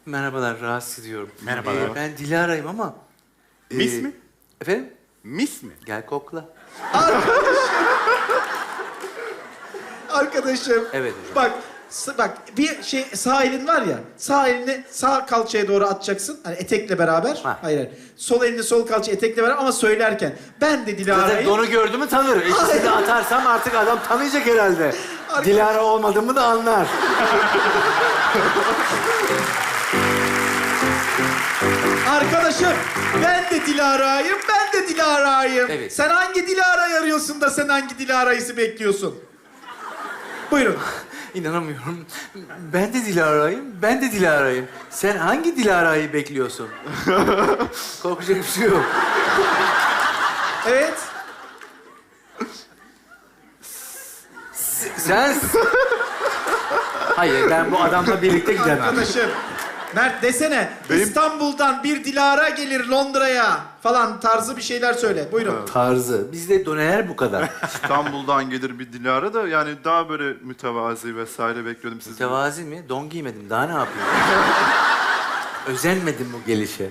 Merhabalar, rahatsız ediyorum. Merhabalar. Ben Dilara'yım ama... Mis mi? Efendim? Mis mi? Gel kokla. Arkadaşım. Evet hocam. Bak bir şey sağ elin var ya. Sağ elini sağ kalçaya doğru atacaksın. Hani etekle beraber. Ha. Hayır. Sol elini sol kalçaya etekle beraber ama söylerken ben de Zaten Dilara'yı... donu gördü mü tanır. İkisini de atarsam artık adam tanıyacak herhalde. Dilara olmadığımı da anlar. Arkadaşım ben de Dilara'yım, ben de Dilara'yım. Evet. Sen hangi Dilara'yı arıyorsun da sen hangi Dilara'yı bekliyorsun? Buyurun. İnanamıyorum. Ben de Dilara'yım, ben de Dilara'yım. Sen hangi Dilara'yı bekliyorsun? Korkacak bir şey yok. Evet. Sen... Hayır, ben bu adamla birlikte gidemem. Arkadaşım. Mert desene. İstanbul'dan bir Dilara gelir Londra'ya falan tarzı bir şeyler söyle. Buyurun. Tarzı. Bizde doneler bu kadar. İstanbul'dan gelir bir Dilara da yani daha böyle mütevazi vesaire bekliyordum sizi. Mütevazi mi? Don giymedim. Daha ne yapayım? Özenmedim bu gelişe.